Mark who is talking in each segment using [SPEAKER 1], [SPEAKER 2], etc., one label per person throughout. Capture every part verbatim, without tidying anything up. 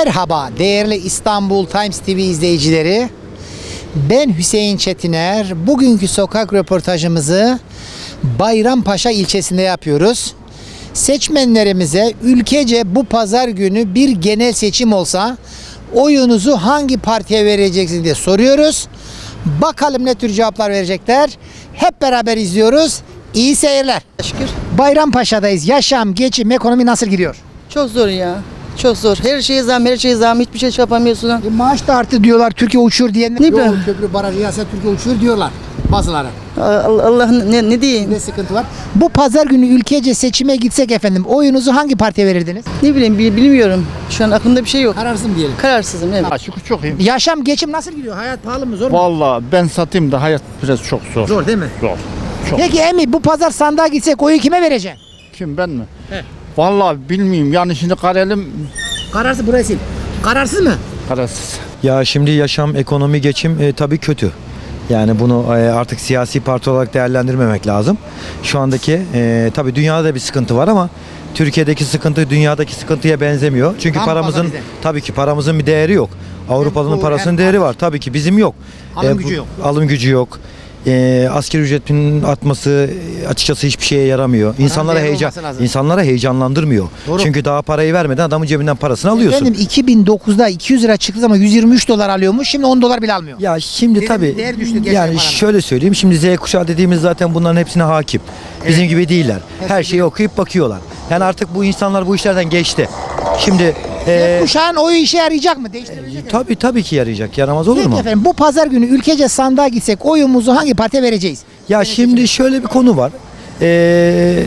[SPEAKER 1] Merhaba değerli İstanbul Times T V izleyicileri. Ben Hüseyin Çetiner. Bugünkü sokak röportajımızı Bayrampaşa ilçesinde yapıyoruz. Seçmenlerimize ülkece bu pazar günü bir genel seçim olsa oyunuzu hangi partiye vereceksiniz diye soruyoruz. Bakalım ne tür cevaplar verecekler. Hep beraber izliyoruz. İyi seyirler.
[SPEAKER 2] Şükür.
[SPEAKER 1] Bayrampaşa'dayız. Yaşam, geçim, ekonomi nasıl gidiyor?
[SPEAKER 2] Çok zor ya. Çok zor. Her şeye zam, her şeye zam. Hiçbir şey yapamıyorsun.
[SPEAKER 1] E, maaş da arttı diyorlar. Türkiye uçuyor diyenler.
[SPEAKER 2] Ne
[SPEAKER 1] Yol,
[SPEAKER 2] bileyim.
[SPEAKER 1] köprü, baraj, riyaset Türkiye uçuyor diyorlar bazıları.
[SPEAKER 2] Allah, Allah ne, ne diyeyim?
[SPEAKER 1] Ne sıkıntı var? Bu pazar günü ülkece seçime gitsek efendim oyunuzu hangi partiye verirdiniz?
[SPEAKER 2] Ne bileyim bil- bilmiyorum. Şu an aklımda bir şey yok.
[SPEAKER 1] Kararsız mı diyelim?
[SPEAKER 2] Kararsızım evet.
[SPEAKER 3] Ha, şükür çok iyiyim.
[SPEAKER 1] Yaşam, geçim nasıl gidiyor? Hayat pahalı mı? Zor mu?
[SPEAKER 3] Vallahi ben satayım da hayat biraz çok zor.
[SPEAKER 1] Zor değil mi?
[SPEAKER 3] Zor. Çok.
[SPEAKER 1] Peki Emi bu pazar sandığa gitsek oyu kime vereceksin?
[SPEAKER 3] Kim ben mi?
[SPEAKER 1] He.
[SPEAKER 3] Vallahi bilmiyorum yani şimdi karelim
[SPEAKER 1] Kararsız burası. Kararsız mı?
[SPEAKER 3] kararsız.
[SPEAKER 4] Ya şimdi yaşam, ekonomi, geçim e, tabii kötü. Yani bunu e, artık siyasi parti olarak değerlendirmemek lazım. Şu andaki e, tabii dünyada da bir sıkıntı var ama Türkiye'deki sıkıntı dünyadaki sıkıntıya benzemiyor. Çünkü
[SPEAKER 1] Tam
[SPEAKER 4] paramızın
[SPEAKER 1] fazla bize.
[SPEAKER 4] tabii ki paramızın bir değeri yok. Avrupalı'nın
[SPEAKER 1] doğru,
[SPEAKER 4] parasının
[SPEAKER 1] hem
[SPEAKER 4] değeri var. Tabii ki bizim yok.
[SPEAKER 1] Alım
[SPEAKER 4] bu-
[SPEAKER 1] gücü yok.
[SPEAKER 4] Alım gücü yok. E, asgari ücretin artması e, açıkçası hiçbir şeye yaramıyor. İnsanlara
[SPEAKER 1] değerli
[SPEAKER 4] heyecan
[SPEAKER 1] olması lazım.
[SPEAKER 4] insanlara heyecanlandırmıyor.
[SPEAKER 1] Doğru.
[SPEAKER 4] Çünkü daha parayı vermeden adamın cebinden parasını alıyorsun.
[SPEAKER 1] Efendim iki bin dokuzda iki yüz lira çıktığı zaman yüz yirmi üç dolar alıyormuş. Şimdi on dolar bile almıyor.
[SPEAKER 4] Ya şimdi
[SPEAKER 1] Değer-
[SPEAKER 4] tabii
[SPEAKER 1] değer düştü gerçekten
[SPEAKER 4] yani
[SPEAKER 1] paranın.
[SPEAKER 4] şöyle söyleyeyim, şimdi Z kuşağı dediğimiz zaten bunların hepsine hakim. Bizim gibi değiller. Her şeyi okuyup bakıyorlar. Yani artık bu insanlar bu işlerden geçti. Şimdi e,
[SPEAKER 1] Kuşağın oyu işe yarayacak mı? Değiştirebilecek mi?
[SPEAKER 4] tabii tabii ki yarayacak. Yaramaz olur
[SPEAKER 1] Peki
[SPEAKER 4] mu?
[SPEAKER 1] efendim bu pazar günü ülkece sandığa gitsek oyumuzu hangi partiye vereceğiz?
[SPEAKER 4] Ya şimdi şöyle bir konu var. Ee,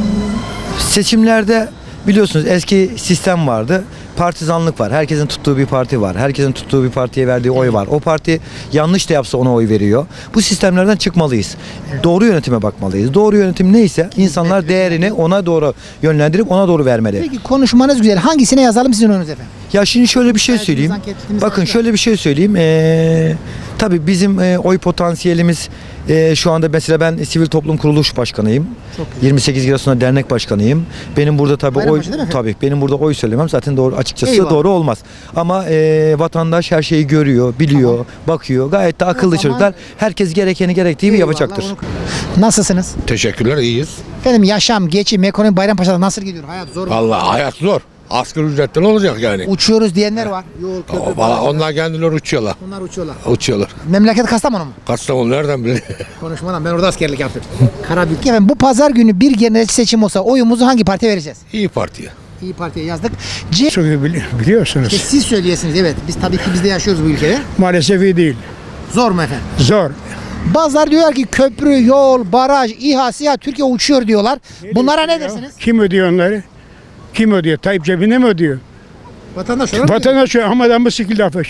[SPEAKER 4] seçimlerde biliyorsunuz eski sistem vardı. Partizanlık var. Herkesin tuttuğu bir parti var. Herkesin tuttuğu bir partiye verdiği oy var. O parti yanlış da yapsa ona oy veriyor. Bu sistemlerden çıkmalıyız. Doğru yönetime bakmalıyız. Doğru yönetim neyse insanlar değerini ona doğru yönlendirip ona doğru vermeli.
[SPEAKER 1] Peki konuşmanız güzel. Hangisine yazalım sizin oyunuzu efendim?
[SPEAKER 4] Ya şimdi şöyle bir şey
[SPEAKER 1] Belki
[SPEAKER 4] söyleyeyim.
[SPEAKER 1] biz anketimizi
[SPEAKER 4] Bakın
[SPEAKER 1] yapacağız.
[SPEAKER 4] şöyle bir şey söyleyeyim. Ee, tabii bizim e, oy potansiyelimiz e, şu anda mesela ben sivil toplum kuruluş başkanıyım.
[SPEAKER 1] Çok güzel.
[SPEAKER 4] yirmi sekiz Giresun'da dernek başkanıyım. Benim burada tabii oy
[SPEAKER 1] Bayrampaşa değil mi efendim?
[SPEAKER 4] tabii benim burada oy söylemem zaten doğru açıkçası
[SPEAKER 1] Eyvallah.
[SPEAKER 4] doğru olmaz. Ama e, vatandaş her şeyi görüyor, biliyor,
[SPEAKER 1] Tamam.
[SPEAKER 4] bakıyor. Gayet de akıllı
[SPEAKER 1] zaman-
[SPEAKER 4] çocuklar. Herkes gerekeni gerektiği gibi
[SPEAKER 1] Eyvallah,
[SPEAKER 4] yapacaktır.
[SPEAKER 1] onu- Nasılsınız?
[SPEAKER 5] Teşekkürler, iyiyiz.
[SPEAKER 1] Efendim yaşam, geçim, ekonomi Bayrampaşa'da nasıl gidiyor? Hayat zor mu?
[SPEAKER 5] Vallahi hayat zor. Asgari ücretten olacak yani.
[SPEAKER 1] Uçuyoruz diyenler var. Yol, köprü,
[SPEAKER 5] Valla
[SPEAKER 1] baraj.
[SPEAKER 5] onlar kendileri uçuyorlar.
[SPEAKER 1] Onlar uçuyorlar.
[SPEAKER 5] Uçuyorlar.
[SPEAKER 1] Memleket Kastamonu mu?
[SPEAKER 5] Kastamonu nereden biliyor?
[SPEAKER 1] Konuşmadan ben orada askerlik yaptım. Karabük. Efendim bu pazar günü bir genel seçim olsa oyumuzu hangi partiye vereceğiz?
[SPEAKER 5] İyi Parti'ye.
[SPEAKER 1] İyi Parti'ye yazdık. C
[SPEAKER 6] Çok iyi bili- biliyorsunuz.
[SPEAKER 1] İşte siz söyleyesiniz evet. Biz tabii ki biz de yaşıyoruz bu ülkede.
[SPEAKER 6] Maalesef iyi değil.
[SPEAKER 1] Zor mu efendim?
[SPEAKER 6] Zor.
[SPEAKER 1] Bazıları diyorlar ki köprü, yol, baraj, İHA, SİHA Türkiye uçuyor diyorlar. Bunlara ne dersiniz?
[SPEAKER 6] Kim ödüyor onları? Kim ödüyor? Tayyip cebine mi ödüyor?
[SPEAKER 1] Vatandaş olarak mı?
[SPEAKER 6] Vatandaş hamadan bu şekilde affı.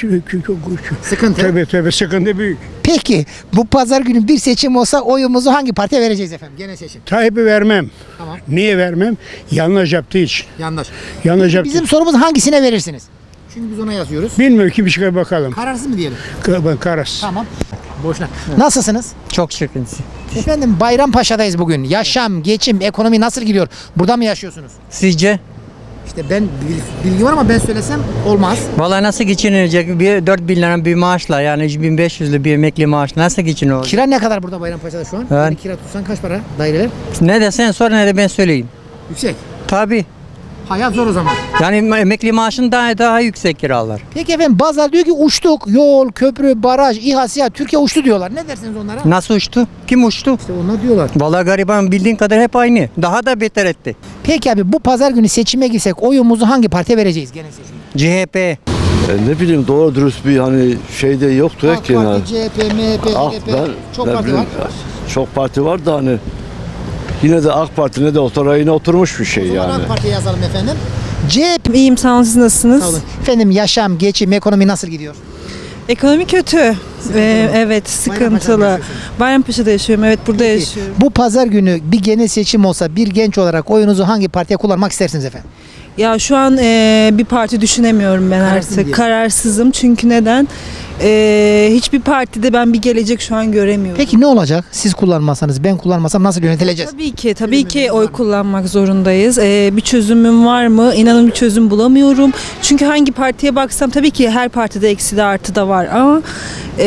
[SPEAKER 1] Sıkıntı.
[SPEAKER 6] Tabii tabii sıkıntı büyük.
[SPEAKER 1] Peki bu pazar günü bir seçim olsa oyumuzu hangi partiye vereceğiz efendim? Gene seçim.
[SPEAKER 6] Tayyip'i vermem.
[SPEAKER 1] Tamam.
[SPEAKER 6] Niye vermem? Yanlış yaptığı için.
[SPEAKER 1] Yanlış.
[SPEAKER 6] Yanlış yaptığı
[SPEAKER 1] Bizim
[SPEAKER 6] için.
[SPEAKER 1] sorumuz hangisine verirsiniz? Çünkü biz ona yazıyoruz.
[SPEAKER 6] Bilmiyorum ki bir şey bakalım.
[SPEAKER 1] Kararsız mı diyelim?
[SPEAKER 6] Ka- Karas.
[SPEAKER 1] Tamam. Boşuna. Nasılsınız?
[SPEAKER 7] Çok şükür.
[SPEAKER 1] Efendim Bayrampaşa'dayız bugün. Yaşam, geçim, ekonomi nasıl gidiyor? Burada mı yaşıyorsunuz?
[SPEAKER 7] Sizce?
[SPEAKER 1] İşte ben bil- bilgi var ama ben söylesem olmaz.
[SPEAKER 7] Vallahi nasıl geçinilecek? Bir dört bin lira bir maaşla yani üç bin beş yüzlü bir emekli maaş nasıl geçiniyor?
[SPEAKER 1] Kira ne kadar burada Bayrampaşa'da şu an?
[SPEAKER 7] Evet.
[SPEAKER 1] Yani kira tutsan kaç para daireler?
[SPEAKER 7] Ne desen sor ne de ben söyleyeyim.
[SPEAKER 1] Yüksek.
[SPEAKER 7] Tabii.
[SPEAKER 1] Hayat zor o zaman.
[SPEAKER 7] Yani emekli maaşın daha daha yüksek kiralar.
[SPEAKER 1] Peki efendim bazıları diyor ki uçtuk. Yol, köprü, baraj, İHA, SİHA Türkiye uçtu diyorlar. Ne dersiniz onlara?
[SPEAKER 7] Nasıl uçtu? Kim uçtu?
[SPEAKER 1] İşte onlar diyorlar.
[SPEAKER 7] Vallahi gariban bildiğin kadar hep aynı. Daha da beter etti.
[SPEAKER 1] Peki abi bu pazar günü seçime girsek oyumuzu hangi partiye vereceğiz gene seçimde?
[SPEAKER 7] C H P.
[SPEAKER 8] E ne bileyim doğru dürüst bir hani şeyde yoktu
[SPEAKER 1] AK
[SPEAKER 8] ki yani.
[SPEAKER 1] Parti, C H P, M H P,
[SPEAKER 8] Ah,
[SPEAKER 1] H D P
[SPEAKER 8] ben
[SPEAKER 1] çok
[SPEAKER 8] ne
[SPEAKER 1] parti
[SPEAKER 8] bileyim,
[SPEAKER 1] var.
[SPEAKER 8] Çok parti var da hani yine de AK Parti ne de o rayına oturmuş bir şey
[SPEAKER 1] O zaman
[SPEAKER 8] yani.
[SPEAKER 1] AK Parti'ye yazalım efendim. C H P.
[SPEAKER 9] İyiyim, sağ olun, siz nasılsınız?
[SPEAKER 1] Sağ olun. Efendim yaşam, geçim, ekonomi nasıl gidiyor?
[SPEAKER 9] Ekonomi kötü. Ee, evet,
[SPEAKER 1] Bayrampaşa'da mı
[SPEAKER 9] sıkıntılı.
[SPEAKER 1] yaşıyorsunuz?
[SPEAKER 9] Bayrampaşa'da yaşıyorum, evet burada
[SPEAKER 1] Peki,
[SPEAKER 9] yaşıyorum.
[SPEAKER 1] bu pazar günü bir genel seçim olsa bir genç olarak oyunuzu hangi partiye kullanmak istersiniz efendim?
[SPEAKER 9] Ya şu an e, bir parti düşünemiyorum ben
[SPEAKER 1] Kararsız
[SPEAKER 9] artık.
[SPEAKER 1] diye.
[SPEAKER 9] Kararsızım çünkü neden? E, hiçbir partide ben bir gelecek şu an göremiyorum.
[SPEAKER 1] Peki ne olacak? Siz kullanmasanız, ben kullanmasam nasıl yönetileceğiz?
[SPEAKER 9] Tabii ki, tabii ki oy kullanmak zorundayız. Ee, bir çözümüm var mı? İnanın bir çözüm bulamıyorum. Çünkü hangi partiye baksam tabii ki her partide eksi de artı da var ama e,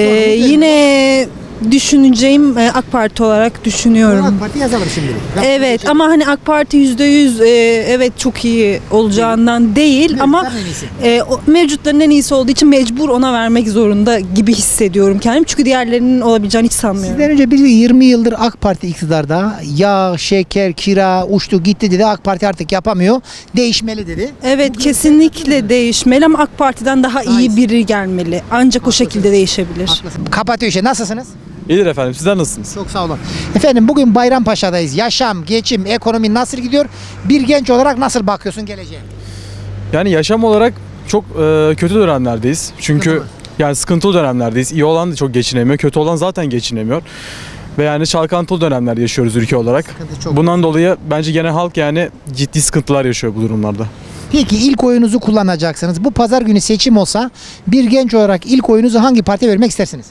[SPEAKER 9] yine düşüneceğim e, AK Parti olarak düşünüyorum.
[SPEAKER 1] AK Parti yazalım şimdilik.
[SPEAKER 9] Evet ama hani AK Parti yüzde yüz e, evet çok iyi olacağından değil ama
[SPEAKER 1] Mevcutların en iyisi.
[SPEAKER 9] e, o, mevcutların en iyisi olduğu için mecbur ona vermek zorunda gibi hissediyorum kendimi. Çünkü diğerlerinin olabileceğini hiç sanmıyorum.
[SPEAKER 1] Sizden önce bir yirmi yıldır AK Parti iktidarda. Yağ, şeker, kira uçtu gitti dedi. AK Parti artık yapamıyor. Değişmeli dedi.
[SPEAKER 9] Evet kesinlikle değişmeli ama AK Parti'den daha
[SPEAKER 1] Daha
[SPEAKER 9] iyi
[SPEAKER 1] iyisi.
[SPEAKER 9] biri gelmeli. Ancak o şekilde değişebilir.
[SPEAKER 1] Kapatıyor işte. Nasılsınız?
[SPEAKER 10] İyidir efendim. Sizler nasılsınız?
[SPEAKER 1] Çok sağ olun. Efendim bugün Bayrampaşa'dayız. Yaşam, geçim, ekonomi nasıl gidiyor? Bir genç olarak nasıl bakıyorsun geleceğe?
[SPEAKER 10] Yani yaşam olarak çok e, kötü dönemlerdeyiz. Çünkü
[SPEAKER 1] Sıkıntı mı?
[SPEAKER 10] yani sıkıntılı dönemlerdeyiz. İyi olan da çok geçinemiyor. Kötü olan zaten geçinemiyor. Ve yani çalkantılı dönemler yaşıyoruz ülke olarak.
[SPEAKER 1] Sıkıntı çok.
[SPEAKER 10] Bundan dolayı bence genel halk yani ciddi sıkıntılar yaşıyor bu durumlarda.
[SPEAKER 1] Peki ilk oyunuzu kullanacaksınız. Bu pazar günü seçim olsa bir genç olarak ilk oyunuzu hangi partiye vermek istersiniz?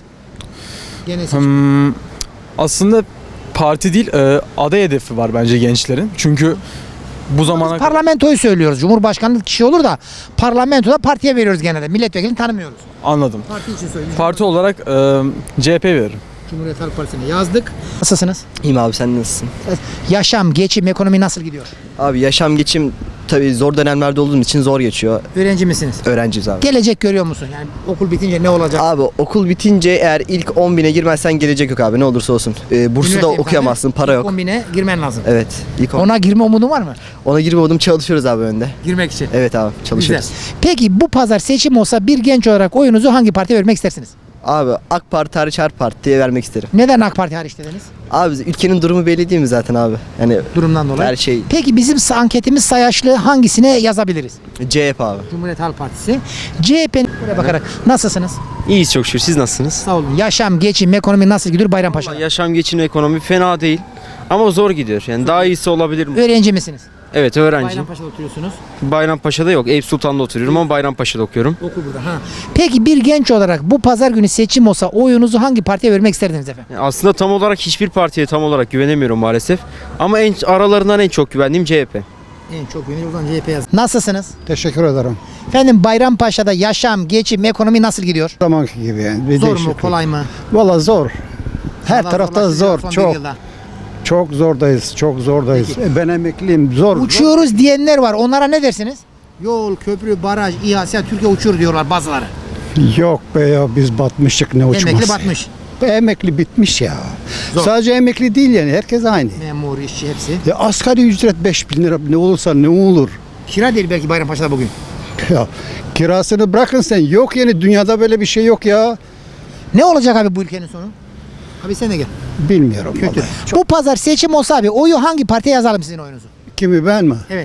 [SPEAKER 1] Gene seçim.
[SPEAKER 10] Hmm, aslında parti değil e, aday hedefi var bence gençlerin. Çünkü bu zamana
[SPEAKER 1] Biz parlamentoyu söylüyoruz. Cumhurbaşkanlık kişi olur da parlamentoda partiye veriyoruz genelde. Milletvekilini tanımıyoruz.
[SPEAKER 10] anladım.
[SPEAKER 1] Parti için söylüyoruz.
[SPEAKER 10] Parti olarak e, C H P veririm.
[SPEAKER 1] Cumhuriyet Halk Partisi'ne yazdık. Nasılsınız?
[SPEAKER 11] İyiyim abi, sen nasılsın?
[SPEAKER 1] Yaşam, geçim, ekonomi nasıl gidiyor?
[SPEAKER 11] Abi yaşam geçim tabii zor dönemlerde olduğum için zor geçiyor.
[SPEAKER 1] Öğrenci misiniz?
[SPEAKER 11] Öğrenciyiz abi.
[SPEAKER 1] Gelecek görüyor musun? Yani okul bitince ne olacak?
[SPEAKER 11] Abi okul bitince eğer ilk on bine girmezsen gelecek yok abi, ne olursa olsun. Ee, burslu da
[SPEAKER 1] Üniversite
[SPEAKER 11] okuyamazsın,
[SPEAKER 1] imkanı,
[SPEAKER 11] para
[SPEAKER 1] ilk
[SPEAKER 11] yok.
[SPEAKER 1] kombine girmen lazım.
[SPEAKER 11] Evet. ilk on.
[SPEAKER 1] Ona girme umudun var mı?
[SPEAKER 11] Ona girmiyordum, çalışıyoruz abi önde.
[SPEAKER 1] Girmek için.
[SPEAKER 11] Evet abi, çalışıyoruz.
[SPEAKER 1] Güzel. Peki bu pazar seçim olsa bir genç olarak oyunuzu hangi partiye vermek istersiniz?
[SPEAKER 11] Abi AK Parti hariç her partiye vermek isterim.
[SPEAKER 1] Neden AK Parti hariç dediniz?
[SPEAKER 11] Abi ülkenin durumu belli değil mi zaten abi? Yani
[SPEAKER 1] Durumdan dolayı.
[SPEAKER 11] her şey
[SPEAKER 1] Peki bizim sa- anketimiz sayaçlı hangisine yazabiliriz?
[SPEAKER 11] C H P abi.
[SPEAKER 1] Cumhuriyet Halk Partisi. C H P'nin buraya bakarak nasılsınız?
[SPEAKER 12] İyiyiz çok şükür. Siz nasılsınız?
[SPEAKER 1] Sağ olun. Yaşam, geçim, ekonomi nasıl gidiyor Bayrampaşa'da?
[SPEAKER 12] Yaşam, geçim, ekonomi fena değil. Ama zor gidiyor. Yani daha iyisi olabilir mi?
[SPEAKER 1] Öğrenci misiniz?
[SPEAKER 12] Evet, öğrenciyim.
[SPEAKER 1] Bayrampaşa'da oturuyorsunuz.
[SPEAKER 12] Bayrampaşa'da yok. Eyüp Sultan'da oturuyorum ama Bayrampaşa'da okuyorum.
[SPEAKER 1] Okul burada. Ha. Peki bir genç olarak bu pazar günü seçim olsa oyunuzu hangi partiye vermek isterdiniz efendim?
[SPEAKER 12] Yani aslında tam olarak hiçbir partiye tam olarak güvenemiyorum maalesef. Ama en aralarından en çok güvendiğim C H P.
[SPEAKER 1] En çok yöneli o zaman C H P yaz. Nasılsınız?
[SPEAKER 6] Teşekkür ederim.
[SPEAKER 1] Efendim Bayrampaşa'da yaşam, geçim, ekonomi nasıl gidiyor?
[SPEAKER 6] Zamanki gibi yani. Bir
[SPEAKER 1] Zor mu,
[SPEAKER 6] değişiklik.
[SPEAKER 1] kolay mı?
[SPEAKER 6] Valla zor. Her
[SPEAKER 1] Allah
[SPEAKER 6] tarafta
[SPEAKER 1] zorlaştıracak
[SPEAKER 6] zor,
[SPEAKER 1] son bir
[SPEAKER 6] çok.
[SPEAKER 1] yılda.
[SPEAKER 6] Çok zordayız, çok zordayız.
[SPEAKER 1] Peki.
[SPEAKER 6] E, Ben emekliyim, zor.
[SPEAKER 1] Uçuyoruz diyenler var. Onlara ne dersiniz? Yol, köprü, baraj, İHA, SİHA, Türkiye uçuyor diyorlar bazıları.
[SPEAKER 6] Yok be ya, biz batmıştık, ne uçması.
[SPEAKER 1] Emekli batmış.
[SPEAKER 6] Emekli bitmiş ya.
[SPEAKER 1] Zor.
[SPEAKER 6] Sadece emekli değil yani, herkes aynı.
[SPEAKER 1] Memur, işçi hepsi.
[SPEAKER 6] Ya asgari ücret beş bin lira ne olursa ne olur.
[SPEAKER 1] Kira değil belki Bayrampaşa'da bugün.
[SPEAKER 6] Ya kirasını bırakın sen, yok yani, dünyada böyle bir şey yok ya.
[SPEAKER 1] Ne olacak abi bu ülkenin sonu? Abi sen de gel.
[SPEAKER 6] Bilmiyorum.
[SPEAKER 1] Kötü.
[SPEAKER 6] vallahi.
[SPEAKER 1] Bu pazar seçim olsa abi oyu hangi partiye yazalım sizin oyunuzu?
[SPEAKER 6] Kimi, ben mi?
[SPEAKER 1] Evet.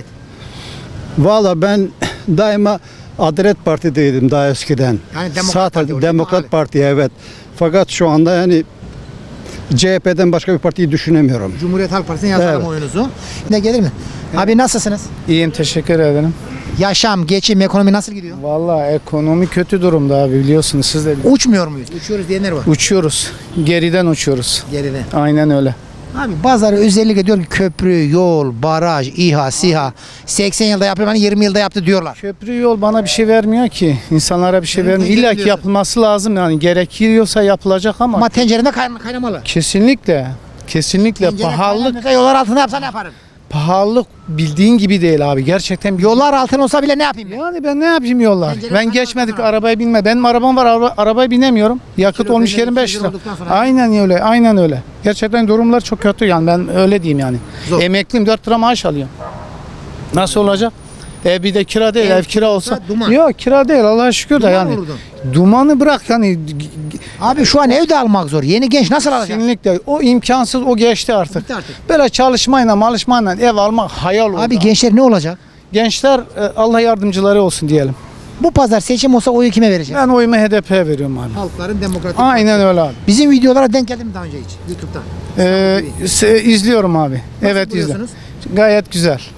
[SPEAKER 6] Valla ben daima Adalet Parti'deydim daha eskiden.
[SPEAKER 1] Yani Demokrat
[SPEAKER 6] Sağ
[SPEAKER 1] Parti
[SPEAKER 6] taraf-
[SPEAKER 1] olacak
[SPEAKER 6] Demokrat
[SPEAKER 1] abi.
[SPEAKER 6] Parti, evet. Fakat şu anda yani C H P'den başka bir partiyi düşünemiyorum.
[SPEAKER 1] Cumhuriyet Halk Partisi'ne yazalım
[SPEAKER 6] Evet.
[SPEAKER 1] oyunuzu. Ne gelir mi? Abi nasılsınız?
[SPEAKER 6] İyiyim, teşekkür ederim.
[SPEAKER 1] Yaşam, geçim, ekonomi nasıl gidiyor?
[SPEAKER 6] Valla ekonomi kötü durumda abi, biliyorsunuz siz de.
[SPEAKER 1] Uçmuyor muyuz? Uçuyoruz diyenler var.
[SPEAKER 6] Uçuyoruz. Geriden uçuyoruz.
[SPEAKER 1] Geride.
[SPEAKER 6] Aynen öyle.
[SPEAKER 1] Abi bazıları özellikle diyor ki köprü, yol, baraj, İHA, SİHA seksen yılda yapıyor, hani yirmi yılda yaptı diyorlar.
[SPEAKER 6] Köprü yol bana bir şey vermiyor ki. İnsanlara bir şey
[SPEAKER 1] Evet,
[SPEAKER 6] vermiyor.
[SPEAKER 1] ben
[SPEAKER 6] İlla ki
[SPEAKER 1] diyorsun.
[SPEAKER 6] yapılması lazım yani. Gerekiyorsa yapılacak ama,
[SPEAKER 1] Ama tencerede kayn- kaynamalı.
[SPEAKER 6] kesinlikle kesinlikle
[SPEAKER 1] Tencere
[SPEAKER 6] pahalılık
[SPEAKER 1] kaynamıyorsa yollar altında yapsan ne yaparım?
[SPEAKER 6] pahalılık bildiğin gibi değil abi. Gerçekten bir
[SPEAKER 1] Yollar altın olsa bile ne yapayım ben?
[SPEAKER 6] Yani ben ne yapayım yollar?
[SPEAKER 1] Tencere
[SPEAKER 6] Ben
[SPEAKER 1] kaynamaz
[SPEAKER 6] geçmedik,
[SPEAKER 1] sana.
[SPEAKER 6] arabaya binme. Benim arabam var, araba, arabaya binemiyorum. Yakıt
[SPEAKER 1] Kilo
[SPEAKER 6] olmuş
[SPEAKER 1] peyniri
[SPEAKER 6] yirmi beş
[SPEAKER 1] iki yüz
[SPEAKER 6] lira.
[SPEAKER 1] olduktan sonra-
[SPEAKER 6] Aynen öyle, aynen öyle. Gerçekten durumlar çok kötü yani, ben öyle diyeyim yani.
[SPEAKER 1] Zor.
[SPEAKER 6] Emekliyim, dört lira maaş alıyorum. Nasıl olacak? Ev bir de kira değil,
[SPEAKER 1] Ev
[SPEAKER 6] ev, kira olsa.
[SPEAKER 1] duman.
[SPEAKER 6] Yok, kira değil, Allah'a şükür de
[SPEAKER 1] Duman
[SPEAKER 6] yani.
[SPEAKER 1] vurdun.
[SPEAKER 6] Dumanı bırak yani,
[SPEAKER 1] Abi şu an evde almak zor. Yeni genç nasıl alacak?
[SPEAKER 6] kesinlikle o imkansız, o geçti artık.
[SPEAKER 1] Bitti artık.
[SPEAKER 6] Böyle çalışmayla, malışmayla ev almak hayal oldu.
[SPEAKER 1] Abi gençler ne olacak?
[SPEAKER 6] Gençler e, Allah yardımcıları olsun diyelim.
[SPEAKER 1] Bu pazar seçim olsa oyu kime vereceğiz?
[SPEAKER 6] Ben oyumu H D P'ye veriyorum abi.
[SPEAKER 1] Halkların Demokratik
[SPEAKER 6] Aynen öyle abi.
[SPEAKER 1] Bizim videolara denk geldi mi daha önce hiç? YouTube'da.
[SPEAKER 6] Ee, se- izliyorum abi. Evet, izliyorum.
[SPEAKER 1] buluyorsunuz?
[SPEAKER 6] Gayet güzel.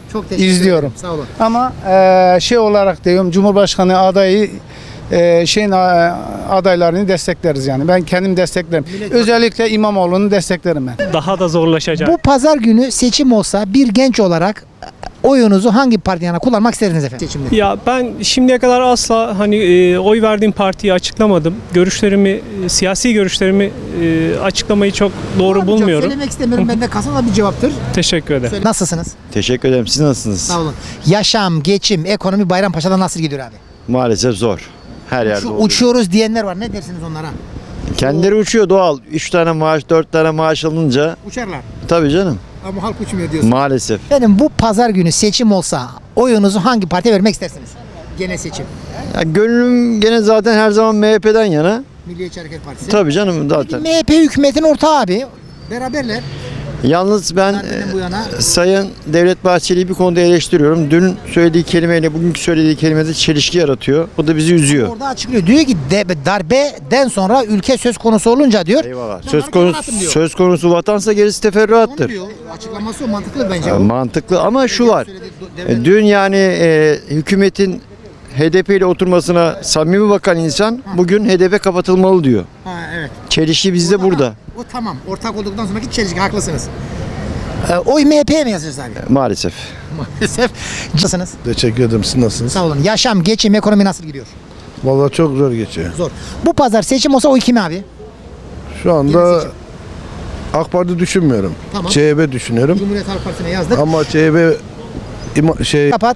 [SPEAKER 1] Çok teşekkür
[SPEAKER 6] İzliyorum.
[SPEAKER 1] ederim. Sağ olun.
[SPEAKER 6] Ama e, şey olarak diyorum Cumhurbaşkanı adayı e, şeyin a- adaylarını destekleriz yani. Ben kendim desteklerim. Özellikle İmamoğlu'nu desteklerim ben.
[SPEAKER 7] Daha da zorlaşacak.
[SPEAKER 1] Bu pazar günü seçim olsa bir genç olarak oyunuzu hangi parti yana kullanmak isterdiniz efendim seçimde?
[SPEAKER 7] Ya ben şimdiye kadar asla hani e, oy verdiğim partiyi açıklamadım. Görüşlerimi, e, siyasi görüşlerimi e, açıklamayı çok doğru bulmuyorum.
[SPEAKER 1] Söylemek istemiyorum. Bende kasa da bir cevaptır.
[SPEAKER 7] Teşekkür ederim.
[SPEAKER 1] Söyle. Nasılsınız?
[SPEAKER 8] Teşekkür ederim. Siz nasılsınız?
[SPEAKER 1] Sağ olun. Yaşam, geçim, ekonomi Bayrampaşa'da nasıl gidiyor abi?
[SPEAKER 8] Maalesef zor. Her yerde
[SPEAKER 1] Şu
[SPEAKER 8] oluyor.
[SPEAKER 1] uçuyoruz diyenler var. Ne dersiniz onlara?
[SPEAKER 8] Kendileri uçuyor doğal. üç tane maaş, dört tane maaş alınca
[SPEAKER 1] Uçarlar.
[SPEAKER 8] tabii canım.
[SPEAKER 1] Ama halk uçmuyor diyorsun.
[SPEAKER 8] Maalesef.
[SPEAKER 1] Efendim bu pazar günü seçim olsa oyunuzu hangi partiye vermek istersiniz? Gene seçim.
[SPEAKER 8] Ya gönlüm gene zaten her zaman M H P'den yana.
[SPEAKER 1] Milliyetçi Hareket Partisi.
[SPEAKER 8] Tabii canım zaten.
[SPEAKER 1] M H P hükümetin ortağı abi. Beraberler.
[SPEAKER 8] Yalnız ben
[SPEAKER 1] Darbeden bu yana.
[SPEAKER 8] e, Sayın Devlet Bahçeli'yi bir konuda eleştiriyorum. Dün söylediği kelimeyle bugünkü söylediği kelimede çelişki yaratıyor. O da bizi üzüyor.
[SPEAKER 1] Orada açıklıyor. Diyor ki de, darbeden sonra ülke söz konusu olunca diyor.
[SPEAKER 8] Eyvallah.
[SPEAKER 1] Ben
[SPEAKER 8] Söz
[SPEAKER 1] hareket
[SPEAKER 8] konusu
[SPEAKER 1] anlatım diyor.
[SPEAKER 8] söz konusu vatansa gerisi
[SPEAKER 1] Onu
[SPEAKER 8] teferruattır.
[SPEAKER 1] diyor. Açıklaması o mantıklı bence.
[SPEAKER 8] Ya,
[SPEAKER 1] o.
[SPEAKER 8] mantıklı ama şu var.
[SPEAKER 1] Söylediği
[SPEAKER 8] E,
[SPEAKER 1] devlet-
[SPEAKER 8] Dün yani e, hükümetin H D P ile oturmasına samimi bakan insan bugün H D P kapatılmalı diyor.
[SPEAKER 1] Ha, evet.
[SPEAKER 8] Çelişki bizde
[SPEAKER 1] O-
[SPEAKER 8] burada
[SPEAKER 1] O tamam. Ortak olduktan sonraki çelişki haklısınız. Ee, oy M H P'ye mi yazacağız abi?
[SPEAKER 8] maalesef.
[SPEAKER 1] Maalesef. Nasılsınız?
[SPEAKER 5] Teşekkür ederim. Siz nasılsınız?
[SPEAKER 1] Sağ olun. Yaşam, geçim, ekonomi nasıl gidiyor?
[SPEAKER 5] Vallahi çok zor geçiyor.
[SPEAKER 1] Zor. Bu pazar seçim olsa oy kime abi?
[SPEAKER 5] Şu
[SPEAKER 1] Yeni
[SPEAKER 5] anda
[SPEAKER 1] seçim.
[SPEAKER 5] AK Parti düşünmüyorum.
[SPEAKER 1] Tamam.
[SPEAKER 5] C H P düşünüyorum.
[SPEAKER 1] Cumhuriyet Halk Partisi'ne yazdık.
[SPEAKER 5] Ama C H P ima- şey
[SPEAKER 1] Kapat.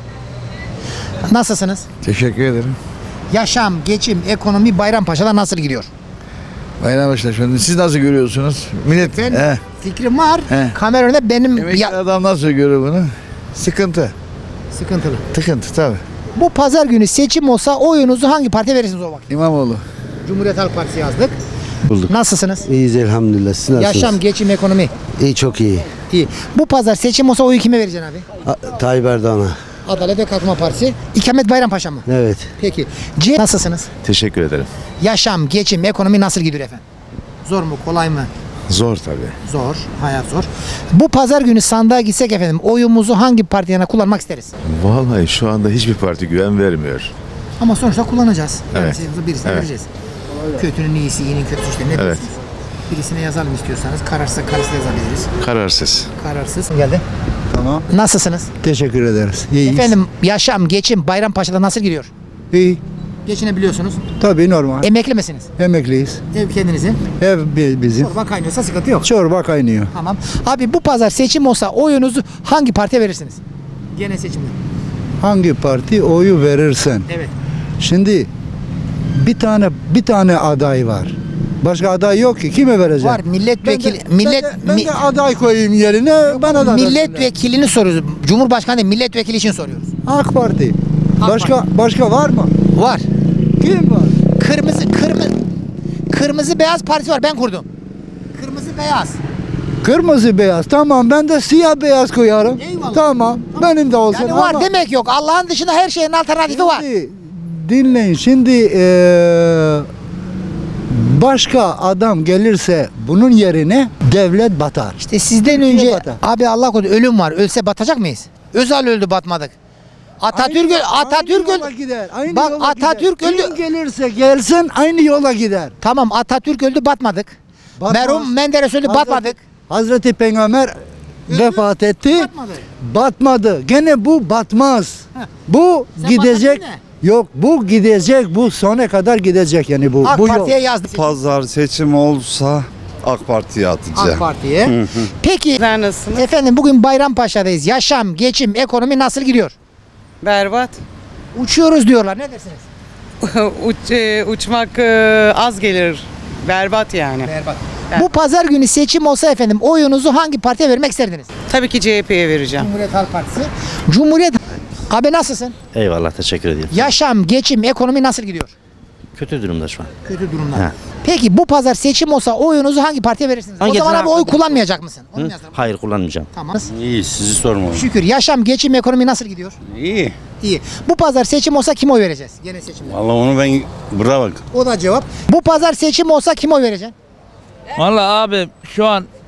[SPEAKER 1] Nasılsınız?
[SPEAKER 5] Teşekkür ederim.
[SPEAKER 1] Yaşam, geçim, ekonomi Bayrampaşa'da nasıl gidiyor?
[SPEAKER 5] Bayrampaşa şimdi siz nasıl görüyorsunuz? Millet
[SPEAKER 1] Ben
[SPEAKER 5] he,
[SPEAKER 1] fikrim var.
[SPEAKER 5] He.
[SPEAKER 1] Kamera önünde benim
[SPEAKER 5] emekli
[SPEAKER 1] ya,
[SPEAKER 5] adam nasıl görüyor bunu? Sıkıntı.
[SPEAKER 1] sıkıntılı.
[SPEAKER 5] Tıkıntı tabii.
[SPEAKER 1] Bu pazar günü seçim olsa oyunuzu hangi partiye verirsiniz o vakit?
[SPEAKER 5] İmamoğlu.
[SPEAKER 1] Cumhuriyet Halk Partisi yazdık.
[SPEAKER 6] Bulduk.
[SPEAKER 1] Nasılsınız?
[SPEAKER 6] İyiyiz elhamdülillah. Siz
[SPEAKER 1] Yaşam, geçim, ekonomi.
[SPEAKER 6] İyi, çok iyi.
[SPEAKER 1] İyi. Bu pazar seçim olsa oyu kime vereceksin abi?
[SPEAKER 6] Tayyip Erdoğan'a.
[SPEAKER 1] Adalet ve Kalkınma Partisi. İkamet Bayrampaşa mı?
[SPEAKER 6] Evet.
[SPEAKER 1] Peki. C nasılsınız?
[SPEAKER 5] Teşekkür ederim.
[SPEAKER 1] Yaşam, geçim, ekonomi nasıl gidiyor efendim? Zor mu, kolay mı?
[SPEAKER 5] Zor tabii.
[SPEAKER 1] Zor, hayat zor. Bu pazar günü sandığa gitsek efendim oyumuzu hangi parti yana kullanmak isteriz?
[SPEAKER 5] Vallahi şu anda hiçbir parti güven vermiyor.
[SPEAKER 1] Ama sonuçta kullanacağız. Yani
[SPEAKER 5] Evet.
[SPEAKER 1] sevgimizi birisine
[SPEAKER 5] Evet.
[SPEAKER 1] vereceğiz. Kötünün iyisi, iyinin kötüsü işte. Ne
[SPEAKER 5] Evet.
[SPEAKER 1] diyorsunuz? Birisine yazalım istiyorsanız. Kararsızsa kararsız yazabiliriz.
[SPEAKER 5] Kararsız.
[SPEAKER 1] Kararsız. Geldi.
[SPEAKER 6] Tamam.
[SPEAKER 1] Nasılsınız?
[SPEAKER 6] Teşekkür ederiz. İyiyiz.
[SPEAKER 1] Efendim yaşam, geçim Bayrampaşa'da nasıl gidiyor?
[SPEAKER 6] İyi.
[SPEAKER 1] Geçinebiliyorsunuz.
[SPEAKER 6] Tabii normal.
[SPEAKER 1] Emekli misiniz?
[SPEAKER 6] Emekliyiz.
[SPEAKER 1] Ev kendinizin.
[SPEAKER 6] Ev bi- bizim.
[SPEAKER 1] Çorba kaynıyorsa sıkıntı yok.
[SPEAKER 6] Çorba kaynıyor.
[SPEAKER 1] Tamam. Abi bu pazar seçim olsa oyunuzu hangi partiye verirsiniz? Gene seçimde.
[SPEAKER 6] Hangi parti oyu verirsen.
[SPEAKER 1] Evet.
[SPEAKER 6] Şimdi bir tane bir tane aday var. Başka aday yok ki. Kime vereceğim?
[SPEAKER 1] Var milletvekili
[SPEAKER 6] Ben de,
[SPEAKER 1] millet
[SPEAKER 6] ben de, ben
[SPEAKER 1] mi-
[SPEAKER 6] de aday koyayım yerine. Bana da versinler.
[SPEAKER 1] milletvekilini soruyoruz. Cumhurbaşkanı değil, milletvekili için soruyoruz.
[SPEAKER 6] AK Parti.
[SPEAKER 1] AK
[SPEAKER 6] Başka başka var mı?
[SPEAKER 1] Var.
[SPEAKER 6] Kim var?
[SPEAKER 1] Kırmızı kırmızı kırmızı beyaz parti var. Ben kurdum. Kırmızı beyaz.
[SPEAKER 6] Kırmızı beyaz. Tamam, ben de siyah beyaz koyarım.
[SPEAKER 1] Eyvallah.
[SPEAKER 6] Tamam. Benim de olsun.
[SPEAKER 1] Yani var
[SPEAKER 6] ama-
[SPEAKER 1] demek yok. Allah'ın dışında her şeyin alternatifi var.
[SPEAKER 6] Şimdi dinleyin. Şimdi eee, başka adam gelirse bunun yerine devlet batar.
[SPEAKER 1] İşte sizden
[SPEAKER 6] Türkiye
[SPEAKER 1] önce
[SPEAKER 6] batar.
[SPEAKER 1] abi Allah korusun ölüm var. Ölse batacak mıyız? Özal öldü batmadık. Atatürk öl- Atatürk
[SPEAKER 6] aynı yola
[SPEAKER 1] öldü.
[SPEAKER 6] gider. Aynı
[SPEAKER 1] Bak,
[SPEAKER 6] yola
[SPEAKER 1] Atatürk
[SPEAKER 6] gider.
[SPEAKER 1] öldü.
[SPEAKER 6] Kim gelirse gelsin aynı yola gider.
[SPEAKER 1] Tamam Atatürk öldü batmadık.
[SPEAKER 6] Batmaz.
[SPEAKER 1] Merhum Menderes öldü
[SPEAKER 6] Hazreti-
[SPEAKER 1] batmadık.
[SPEAKER 6] Hazreti Peygamber vefat etti.
[SPEAKER 1] Batmadı.
[SPEAKER 6] Batmadı. Gene bu batmaz.
[SPEAKER 1] Heh.
[SPEAKER 6] Bu
[SPEAKER 1] Sen
[SPEAKER 6] gidecek.
[SPEAKER 1] batmadın
[SPEAKER 6] Yok, bu gidecek. Bu sona kadar gidecek yani bu.
[SPEAKER 1] AK
[SPEAKER 6] bu yol.
[SPEAKER 1] Parti'ye yazdık.
[SPEAKER 8] Pazar seçim olsa AK Parti'ye atacağım.
[SPEAKER 1] AK Parti'ye. Peki
[SPEAKER 2] Nasılsınız?
[SPEAKER 1] efendim bugün Bayrampaşa'dayız. Yaşam, geçim, ekonomi nasıl gidiyor?
[SPEAKER 2] Berbat.
[SPEAKER 1] Uçuyoruz diyorlar. Ne dersiniz?
[SPEAKER 2] Uç, e, uçmak e, az gelir. Berbat yani.
[SPEAKER 1] Berbat. Bu pazar günü seçim olsa efendim oyunuzu hangi partiye vermek isterdiniz?
[SPEAKER 2] Tabii ki C H P'ye vereceğim.
[SPEAKER 1] Cumhuriyet Halk Partisi. Cumhuriyet Abi nasılsın?
[SPEAKER 12] Eyvallah teşekkür ederim.
[SPEAKER 1] Yaşam, geçim, ekonomi nasıl gidiyor?
[SPEAKER 12] Kötü durumda şu an.
[SPEAKER 1] Kötü durumda.
[SPEAKER 12] He.
[SPEAKER 1] Peki bu pazar seçim olsa oyunuzu hangi partiye verirsiniz?
[SPEAKER 12] Hangi
[SPEAKER 1] o zaman abi
[SPEAKER 12] tarafta?
[SPEAKER 1] oy kullanmayacak mısın? Onu mu yazalım?
[SPEAKER 12] Hayır kullanmayacağım.
[SPEAKER 1] Tamam.
[SPEAKER 8] İyi sizi sormayın.
[SPEAKER 1] Şükür. Yaşam, geçim, ekonomi nasıl gidiyor?
[SPEAKER 8] İyi.
[SPEAKER 1] İyi. Bu pazar seçim olsa kim oy vereceğiz? Gene seçimde.
[SPEAKER 8] Vallahi onu ben bravo.
[SPEAKER 1] O da cevap. Bu pazar seçim olsa kim oy vereceksin?
[SPEAKER 3] Vallahi abi şu an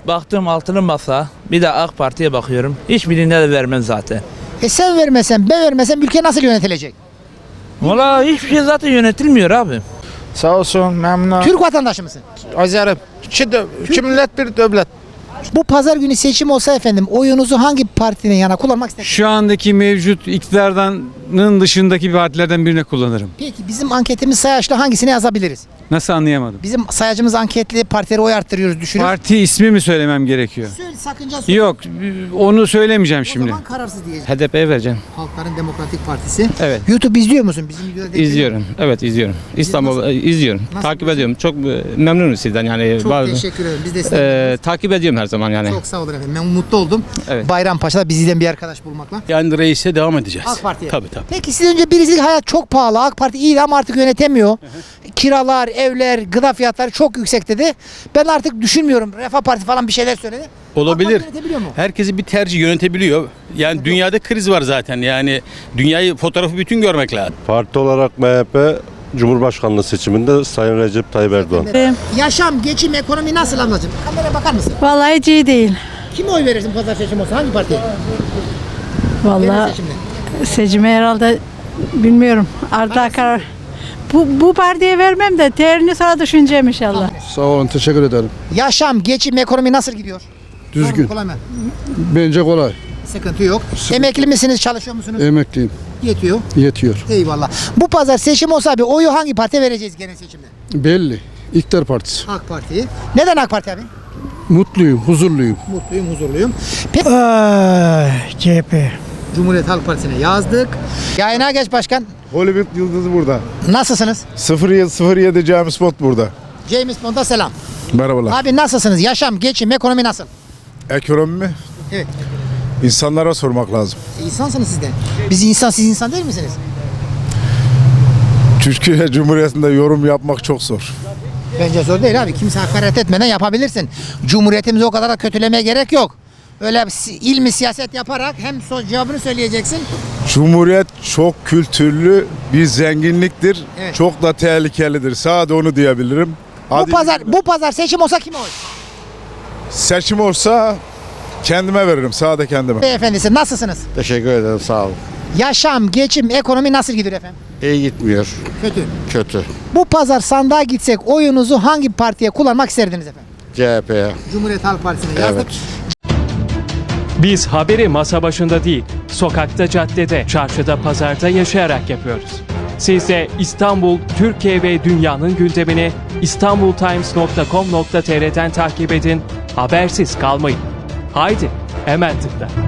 [SPEAKER 13] Baktım altılı masa, bir de AK Parti'ye bakıyorum. Hiçbirine de vermem zaten.
[SPEAKER 1] E sen vermesen, ben vermesem ülke nasıl yönetilecek?
[SPEAKER 13] Valla hiçbir şey zaten yönetilmiyor abi.
[SPEAKER 3] Sağ olsun memnun.
[SPEAKER 1] Türk vatandaşı mısın?
[SPEAKER 3] Azerim. İki, dö- iki millet bir devlet.
[SPEAKER 1] Bu pazar günü seçim olsa efendim oyunuzu hangi partinin yana kullanmak istersiniz?
[SPEAKER 14] Şu andaki mevcut iktidardanın dışındaki partilerden birine kullanırım.
[SPEAKER 1] Peki bizim anketimiz sayaçlı hangisine yazabiliriz?
[SPEAKER 14] Nasıl anlayamadım?
[SPEAKER 1] Bizim sayacımız anketli partilere oy arttırıyoruz düşünüyoruz.
[SPEAKER 14] Parti ismi mi söylemem gerekiyor?
[SPEAKER 1] Söyle sakınca söyle.
[SPEAKER 14] Yok, onu söylemeyeceğim
[SPEAKER 1] O
[SPEAKER 14] şimdi.
[SPEAKER 1] zaman kararsız diyeceğiz.
[SPEAKER 14] H D P'ye vereceğim.
[SPEAKER 1] Halkların Demokratik Partisi.
[SPEAKER 14] Evet.
[SPEAKER 1] YouTube izliyor musun? Bizim videoda denk geliyor.
[SPEAKER 14] İzliyorum. Evet izliyorum. İstanbul
[SPEAKER 1] Nasıl-
[SPEAKER 14] izliyorum.
[SPEAKER 1] nasıl
[SPEAKER 14] takip
[SPEAKER 1] buluyorsun?
[SPEAKER 14] ediyorum. Çok e, memnunum sizden yani.
[SPEAKER 1] Çok
[SPEAKER 14] bazı-
[SPEAKER 1] teşekkür ederim. Biz de size
[SPEAKER 14] e, takip ediyorum her zaman yani.
[SPEAKER 1] çok sağ olun efendim. Ben mutlu oldum.
[SPEAKER 14] Evet.
[SPEAKER 1] Bayrampaşa'da bizi izleyen bir arkadaş bulmakla.
[SPEAKER 10] Yani reise devam edeceğiz.
[SPEAKER 1] AK Parti'ye.
[SPEAKER 10] Tabii tabii.
[SPEAKER 1] Peki siz önce birisi hayat çok pahalı. AK Parti iyiydi ama artık yönetemiyor. Kiralar, evler, gıda fiyatları çok yüksek dedi. Ben artık düşünmüyorum. Refah Parti falan bir şeyler söyledi.
[SPEAKER 10] Olabilir.
[SPEAKER 1] AK Parti yönetebiliyor mu?
[SPEAKER 10] Herkesi bir tercih yönetebiliyor. Yani dünyada kriz var zaten. Yani dünyayı fotoğrafı bütün görmek lazım.
[SPEAKER 15] Parti olarak M H P Cumhurbaşkanlığı seçiminde Sayın Recep Tayyip Erdoğan.
[SPEAKER 1] Yaşam, geçim, ekonomi nasıl ablacığım? Kameraya bakar mısın?
[SPEAKER 16] Vallahi hiç iyi değil.
[SPEAKER 1] Kime oy verirsin pazar seçim olsa? Hangi partiye?
[SPEAKER 16] Vallahi
[SPEAKER 1] Genel seçimde.
[SPEAKER 16] seçime herhalde bilmiyorum. Arda karar. Bu, bu partiye vermem de terini sonra düşüneceğim inşallah.
[SPEAKER 5] Sağ olun, teşekkür ederim.
[SPEAKER 1] Yaşam, geçim, ekonomi nasıl gidiyor? Zor mu,
[SPEAKER 5] Düzgün.
[SPEAKER 1] kolay mı?
[SPEAKER 5] Bence kolay.
[SPEAKER 1] Sıkıntı yok. Emekli misiniz? Çalışıyor musunuz?
[SPEAKER 5] Emekliyim.
[SPEAKER 1] Yetiyor.
[SPEAKER 5] Yetiyor.
[SPEAKER 1] Eyvallah. Bu pazar seçim olsa abi oyu hangi partiye vereceğiz genel seçimde?
[SPEAKER 5] Belli. İktidar Partisi.
[SPEAKER 1] AK Parti'yi. Neden AK Parti abi?
[SPEAKER 5] Mutluyum, huzurluyum.
[SPEAKER 1] Mutluyum, huzurluyum. Peki.
[SPEAKER 6] C H P.
[SPEAKER 1] Cumhuriyet Halk Partisi'ne yazdık. Yayına geç başkan.
[SPEAKER 5] Hollywood yıldızı burada.
[SPEAKER 1] Nasılsınız?
[SPEAKER 5] sıfır yedi sıfır yedi James Bond burada.
[SPEAKER 1] James Bond'a selam.
[SPEAKER 5] Merhabalar.
[SPEAKER 1] Abi nasılsınız? Yaşam, geçim, ekonomi nasıl?
[SPEAKER 5] Ekonomi mi?
[SPEAKER 1] Evet.
[SPEAKER 5] İnsanlara sormak lazım.
[SPEAKER 1] E, insansınız siz de. Biz insan, siz insan değil misiniz?
[SPEAKER 5] Türkiye Cumhuriyeti'nde yorum yapmak çok zor.
[SPEAKER 1] Bence zor değil abi. Kimse hakaret etmeden yapabilirsin. Cumhuriyetimizi o kadar da kötülemeye gerek yok. Öyle si- ilmi siyaset yaparak hem so- cevabını söyleyeceksin.
[SPEAKER 5] Cumhuriyet çok kültürlü bir zenginliktir.
[SPEAKER 1] Evet.
[SPEAKER 5] Çok da tehlikelidir. Sadece onu diyebilirim.
[SPEAKER 1] Bu pazar bu pazar seçim olsa kime oy?
[SPEAKER 5] Seçim olsa kendime veririm. Sadece kendime.
[SPEAKER 1] Beyefendisi nasılsınız?
[SPEAKER 8] Teşekkür ederim, sağ olun.
[SPEAKER 1] Yaşam, geçim, ekonomi nasıl gidiyor efendim?
[SPEAKER 8] İyi gitmiyor.
[SPEAKER 1] Kötü.
[SPEAKER 8] Kötü.
[SPEAKER 1] Bu pazar sandığa gitsek oyunuzu hangi partiye kullanmak isterdiniz efendim?
[SPEAKER 8] C H P'ye.
[SPEAKER 1] Cumhuriyet Halk Partisi'ne yazdık.
[SPEAKER 17] Biz haberi masa başında değil, sokakta, caddede, çarşıda, pazarda yaşayarak yapıyoruz. Siz de İstanbul, Türkiye ve dünyanın gündemini istanbultimes nokta com nokta tr'den takip edin, habersiz kalmayın. Haydi, hemen tıkla.